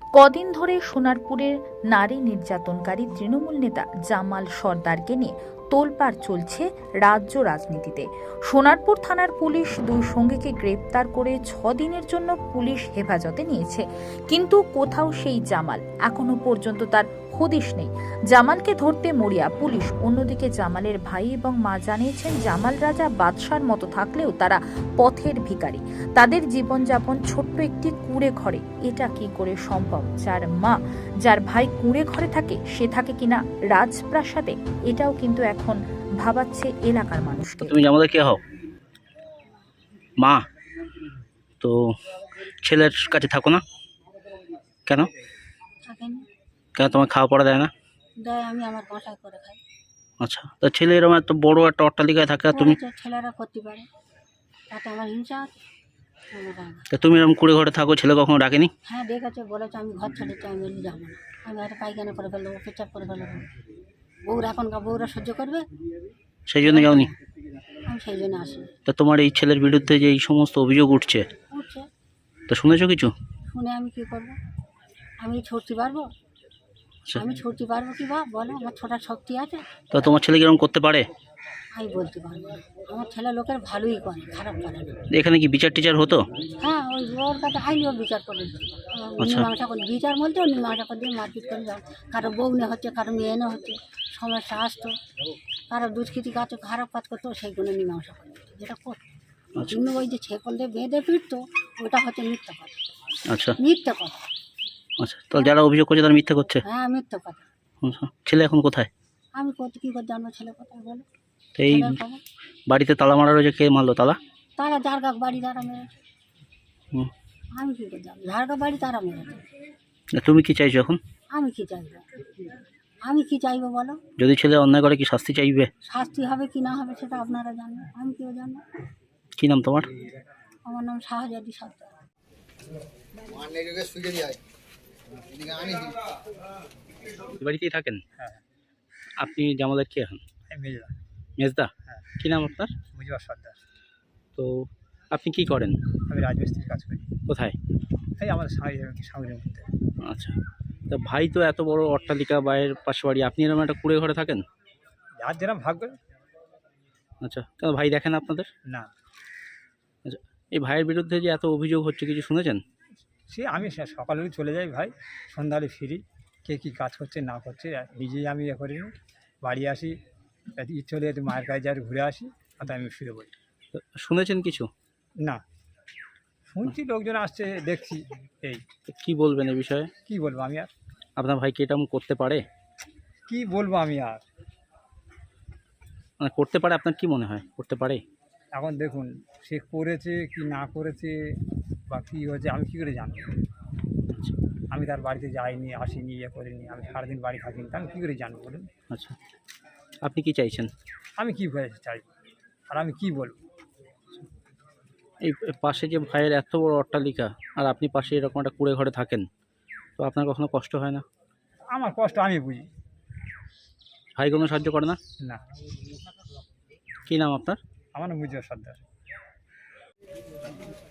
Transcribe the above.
কদিন ধরে সোনারপুরের নারী নির্যাতনকারী তৃণমূল নেতা জামাল সর্দারকে নিয়ে তোলপাড় চলছে রাজ্য রাজনীতিতে। সোনারপুর থানার পুলিশ দুই সঙ্গীকে গ্রেপ্তার করে 6 দিনের জন্য পুলিশ হেফাজতে নিয়েছে, কিন্তু কোথাও সেই জামাল এখনো পর্যন্ত তার হদিশ নেই। জামালকে ধরতে মরিয়া পুলিশ। অন্যদিকে জামালের ভাই এবং মা জানিয়েছেন, জামাল রাজা বাদশার মতো থাকলেও তারা পথের ভিখারি। তাদের জীবনযাপন ছোট্ট একটি কুঁড়ে ঘরে। এটা কি করে সম্ভব? যার মা, যার ভাই কুঁড়ে ঘরে থাকে, সে থাকে কিনা রাজপ্রাসাদে? এটাও কিন্তু এখন ভাবাচ্ছে এলাকার মানুষকে। তুমি জামালের কে হও? মা। তো ছেলের কাছে থাকো না কেন? কেন তোমার খাওয়া পড়া দেয় না? দেয়, আমি আমার বাসায় করে খাই। আচ্ছা, তা ছেলে এরকম এত বড় একটা অট্টালিকায় থাকে আর তুমি? ছেলেরা করতে পারে, তাতে আমার হিংসা আছে। তা তুমি এরকম কুড়ে ঘরে থাকো, ছেলে কখনো ডাকেনি? হ্যাঁ ডেকেছে, বলেছে আমি ঘর ছেড়েছি, আমি এলি যাবো না, আমি হয়তো পায়খানা করে ফেলবো, পেচাপ করে ফেলবো। বউরা এখনকার বউরা সহ্য করবে, সেই জন্য যাওনি? আমি সেই জন্য আসি। তা তোমার এই ছেলের বিরুদ্ধে যে এই সমস্ত অভিযোগ উঠছে, উঠছে, তা শুনেছো কিছু? শুনে আমি কি করবো? আমি ছুটতে পারবো? আচ্ছা, আমি ছুটতে পারবো কি বা বলো? আমার ছোটার শক্তি আছে? তা তোমার ছেলে কিরকম করতে পারে? আমি বলতে পারবো না। আমার ছেলে লোকের ভালোই করে, খারাপ করে না। এখানে কি বিচার টিচার হতো? হ্যাঁ, ওই ওর কাছে আইনিও বিচার করে আচ্ছা। মীমাংসা করে, বিচার বলতে মীমাংসা করে দিয়ে মারপিট করে যাও। কারো বউ নে হচ্ছে, কারো মেয়ে নে হচ্ছে, সমস্যা আসতো, কারো দুষ্কৃতি কাজ খারাপ কাজ করতো, সেইগুলো মীমাংসা করে দিত, যেটা করতো। আচ্ছা কিন্তু ওই যে ছেকল দিয়ে বেঁধে ফিরতো, ওটা হচ্ছে মিথ্যা কথা। আচ্ছা মিথ্যা কথা, আচ্ছা, তাহলে যারা অভিযোগ করছে তারা মিথ্যা করছে? হ্যাঁ মিথ্যা কথা। আচ্ছা, ছেলে এখন কোথায়? আমি করতে কী করে জানবো ছেলে কোথায় বলো? তো এই ছেলের খবর বাড়িতে তালা মারা রয়েছে, কে মারলো তালা? তারা ঝাড়গা বাড়ি তারা মেরেছে, হুম। আমি কী করে জানবো? ঝাড়গা বাড়ি তারা মেরেছে। তা তুমি কি চাইছো এখন? আমি কি চাইবো? আমি কি চাইবো বলো? যদি ছেলে অন্যায় করে কি শাস্তি চাইবে? শাস্তি হবে কি না হবে সেটা আপনারা জানবেন, আমি কেউ জানবো? কি নাম তোমার? আমার নাম শাহজাদি সর্দার। বাড়িতেই থাকেন? আপনি জামালের কে হন? মেজদা? কি নাম আপনার? মুজিবুর সর্দার। তো আপনি কি করেন? আমি রাজমিস্ত্রির কাজ করি, কোথায়? এই আমাদের সামনের মধ্যে। আচ্ছা, তা ভাই তো এত বড় অট্টালিকা, বাইরের পাশে বাড়ি, আপনি এরকম একটা কুড়ে ঘরে থাকেন? যার যেরকম ভাগ্য। আচ্ছা, কেন ভাই দেখেন আপনাদের? না, আচ্ছা, এই ভাইয়ের বিরুদ্ধে যে এত অভিযোগ হচ্ছে, কিছু শুনেছেন? আমি সকালে চলে যাই ভাই, সন্ধ্যালে ফিরি, কে কী কাজ করছে না করছে নিজেই আমি করিনি। বাড়ি আসি, ইচ্ছে হলে একটু মায়ের কাছে যাই, ঘুরে আসি, আর আমি ফিরে বলি। তো শুনেছেন কিছু? না, শুনছি লোকজন আসছে, দেখছি, এই তো কি বলবেন এই বিষয়ে? কি বলবো আমি আর? আপনার ভাই কি এরকম করতে পারে? কি বলবো আমি আর? মানে করতে পারে, আপনার কি মনে হয় করতে পারে? এখন দেখুন, সে করেছে কি না করেছে বা কী হয়েছে আমি কী করে জানবো? আচ্ছা আমি তার বাড়িতে যাইনি, আসিনি, করিনি, আমি সারাদিন বাড়ি থাকিনি, তা আমি কী করে জানবো বলুন? আচ্ছা, আপনি কি চাইছেন? আমি কী চাই আর আমি কি বলবো? এই পাশে যে ভাইয়ের এত বড় অট্টালিকা, আর আপনি পাশে এরকম একটা কুড়ে ঘরে থাকেন, তো আপনার কখনো কষ্ট হয় না? আমার কষ্ট আমি বুঝি। ভাই কোনো সাহায্য করে না? না, কি নাম আপনার? আমার নাম মুজিবুর সর্দার।